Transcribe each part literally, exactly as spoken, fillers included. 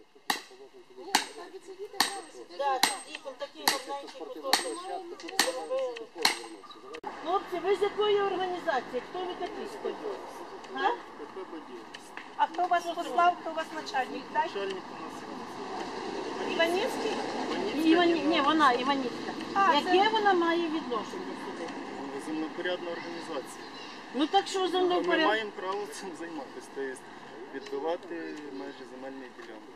Хлопці, ви з якої організації? Хто ви такі стоїть? А? А хто вас послав, хто у вас начальник? Начальник у нас Іванівський? Іванівський. Ні, вона, Іванівська. Яке вона має відношення сюди? Землепорядна організація. Ну так що Ми землепорядна? маємо право цим займатися, тобто відбивати межі земельної ділянки.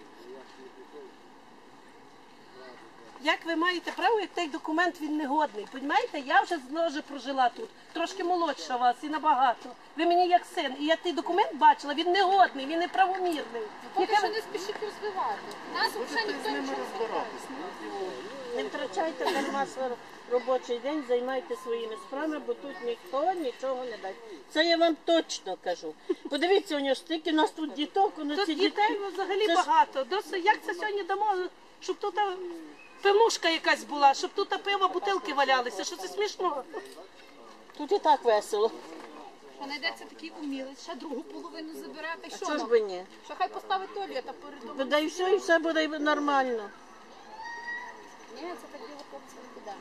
Як ви маєте право, як той документ він негодний? Понімаєте, я вже знову прожила тут, трошки молодша вас і набагато. Ви мені як син, і я той документ бачила, він негодний, він неправомірний. Поки що не спішіть розвивати. Нас взагалі ніхто нічого не розбиратись. Не втрачайте дарма свій робочий день, займайте своїми справами, бо тут ніхто нічого не дасть. Це я вам точно кажу. Подивіться, у нього стільки, у нас тут діток, у нас Тут ці дітей діти. взагалі Це ж- багато. Досить, як це сьогодні дамо, щоб тут а, пивнушка якась була, щоб тут а, пиво, бутилки валялися. Що це смішно? Тут і так весело. Що знайдеться такий умілець, ще другу половину забирати. А Що чого ж нам? би ні? Що хай поставить туалет, а перед домом. Да і все, і все буде нормально. Ні, це так біло хлопці не піде.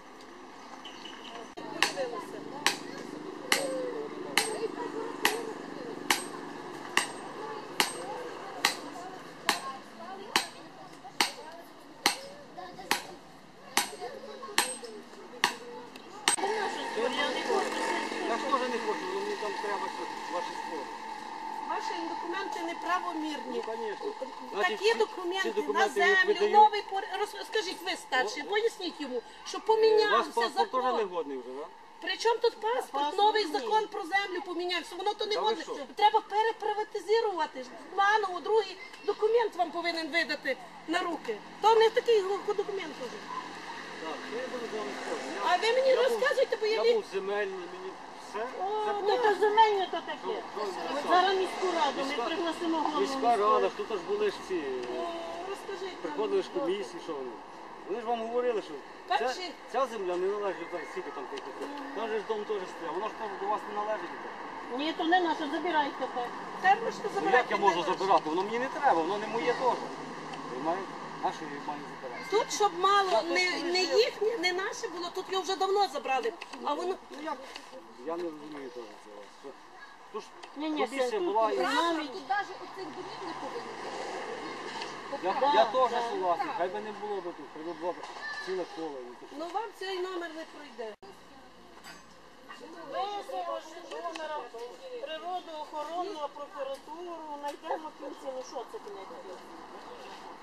Я ж теж не хочу, мені там треба ваші спори. Ваші документи неправомірні. Звісно. Такі документи, ці на документи як землю, видають- новий пор... Роз- Скажіть ви старші, поясніть йому, що Ваш помінявся паспорт теж закон. негодний вже, так? Причому тут паспорт, Паспорт новий ні. закон про землю помінявся, воно то не Та ви годне. що? Треба переприватизувати. Заново другий документ вам повинен видати на руки. То не такий го- документ уже. Так, я буду з вами спорити. А ви мені розказуєте, бо я Я не... був земельний, мені все. Це Ну то земельне то таке. Що ви От що? зараз міську раду, ми Міська- пригласимо голову. Міська рада, тут аж були ж ці, О, розкажіть нам. приходили ж комісії, що вони. Вони ж вам говорили, що ця, Перші- ця земля не належить, так, скільки там тих. Там же ж дом теж стояв, воно ж теж до вас не належить. Ні, то не наше, забирайте те. Та ви ж Ну забирайте. як я можу забирати? Воно мені не треба, воно не моє теж. Понимаєте? А що я маю забирати? Тут, щоб мало не, не їхнє, не наше було, тут його вже давно забрали. А воно... Ну як? Я не розумію теж цього. Що- Тож Ні, ні, комісія це була тут і Правда, тут навіть оцих домів не повинно бути. я, Да, я теж да. согласен. Хай би не було би тут, хай би було б ціле коло. Ну вам цей номер не пройде. Визово номера природоохоронну прокуратуру, знайдемо кінці, ну що це кінець?